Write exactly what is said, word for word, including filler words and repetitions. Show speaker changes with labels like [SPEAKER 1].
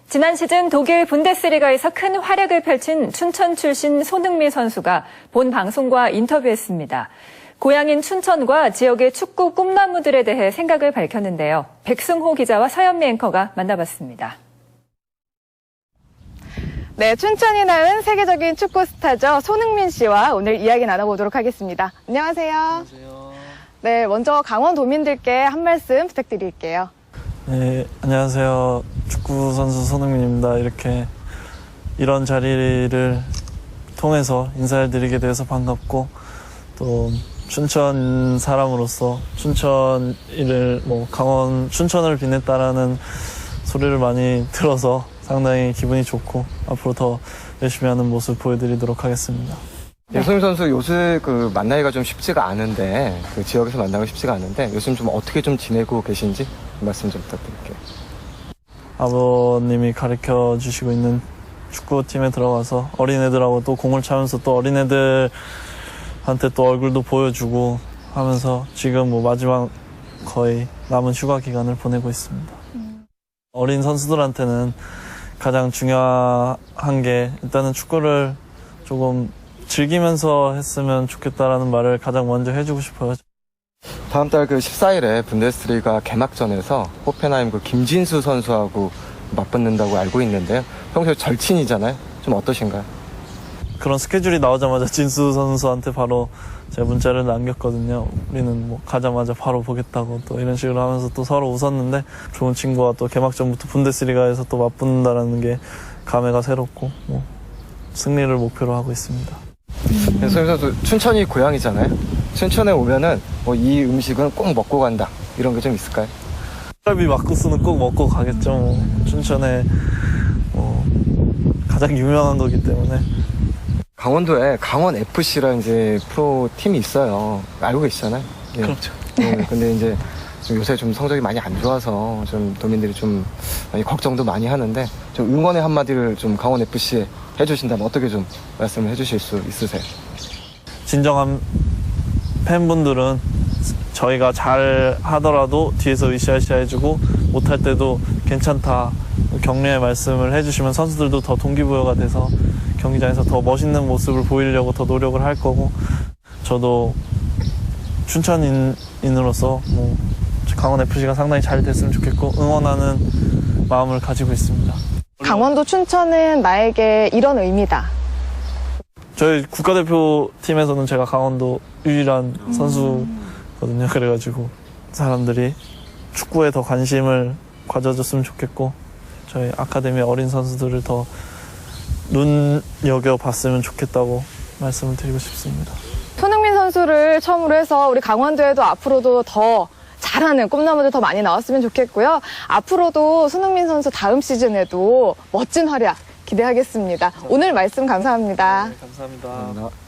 [SPEAKER 1] 지난 시즌 독일 분데스리가에서 큰 활약을 펼친 춘천 출신 손흥민 선수가 본 방송과 인터뷰했습니다. 고향인 춘천과 지역의 축구 꿈나무들에 대해 생각을 밝혔는데요. 백승호 기자와 서현미 앵커가 만나봤습니다.
[SPEAKER 2] 네, 춘천이 낳은 세계적인 축구 스타죠. 손흥민 씨와 오늘 이야기 나눠보도록 하겠습니다. 안녕하세요.
[SPEAKER 3] 안녕하세요.
[SPEAKER 2] 네, 먼저 강원도민들께 한 말씀 부탁드릴게요.
[SPEAKER 3] 네, 안녕하세요. 축구 선수 손흥민입니다. 이렇게 이런 자리를 통해서 인사를 드리게 돼서 반갑고, 또 춘천 사람으로서 춘천을 뭐 강원 춘천을 빛냈다라는 소리를 많이 들어서 상당히 기분이 좋고 앞으로 더 열심히 하는 모습 보여드리도록 하겠습니다.
[SPEAKER 4] 네, 손흥민 선수 요새 그 만나기가 좀 쉽지가 않은데, 그 지역에서 만나기가 쉽지가 않은데 요즘 좀 어떻게 좀 지내고 계신지 말씀 좀 부탁드릴게요.
[SPEAKER 3] 아버님이 가르쳐 주시고 있는 축구팀에 들어가서 어린애들하고 또 공을 차면서 또 어린애들한테 또 얼굴도 보여주고 하면서 지금 뭐 마지막 거의 남은 휴가 기간을 보내고 있습니다. 음. 어린 선수들한테는 가장 중요한 게 일단은 축구를 조금 즐기면서 했으면 좋겠다라는 말을 가장 먼저 해주고 싶어요.
[SPEAKER 4] 다음 달 그 십사 일에 분데스리가 개막전에서 호펜하임 그 김진수 선수하고 맞붙는다고 알고 있는데요. 평소에 절친이잖아요. 좀 어떠신가요?
[SPEAKER 3] 그런 스케줄이 나오자마자 진수 선수한테 바로 제가 문자를 남겼거든요. 우리는 뭐 가자마자 바로 보겠다고 또 이런 식으로 하면서 또 서로 웃었는데, 좋은 친구와 또 개막전부터 분데스리가에서 또 맞붙는다는 게 감회가 새롭고 뭐 승리를 목표로 하고 있습니다.
[SPEAKER 4] 음. 네, 손흥민 선수 춘천이 고향이잖아요. 춘천에 오면은 뭐 이 음식은 꼭 먹고 간다, 이런 게 좀 있을까요?
[SPEAKER 3] 갈비 막국수는 꼭 먹고 가겠죠. 뭐 춘천에 뭐 가장 유명한 거기 때문에.
[SPEAKER 4] 강원도에 강원에프씨라는 이제 프로 팀이 있어요. 알고 계시잖아요. 예.
[SPEAKER 3] 그렇죠.
[SPEAKER 4] 네, 근데 이제 좀 요새 좀 성적이 많이 안 좋아서 좀 도민들이 좀 많이 걱정도 많이 하는데, 좀 응원의 한마디를 좀 강원에프씨에 해주신다면 어떻게 좀 말씀을 해주실 수 있으세요?
[SPEAKER 3] 진정한 팬분들은 저희가 잘 하더라도 뒤에서 으쌰으쌰 해주고, 못할 때도 괜찮다 격려의 말씀을 해주시면 선수들도 더 동기부여가 돼서 경기장에서 더 멋있는 모습을 보이려고 더 노력을 할 거고, 저도 춘천인으로서 뭐 강원에프씨가 상당히 잘 됐으면 좋겠고 응원하는 마음을 가지고 있습니다.
[SPEAKER 2] 강원도 춘천은 나에게 이런 의미다.
[SPEAKER 3] 저희 국가대표팀에서는 제가 강원도 유일한 음. 선수거든요. 그래가지고 사람들이 축구에 더 관심을 가져줬으면 좋겠고, 저희 아카데미 어린 선수들을 더 눈여겨봤으면 좋겠다고 말씀을 드리고 싶습니다.
[SPEAKER 2] 손흥민 선수를 처음으로 해서 우리 강원도에도 앞으로도 더 잘하는 꿈나무들 더 많이 나왔으면 좋겠고요. 앞으로도 손흥민 선수 다음 시즌에도 멋진 활약 기대하겠습니다. 오늘 말씀 감사합니다.
[SPEAKER 3] 네, 감사합니다.
[SPEAKER 4] 감사합니다.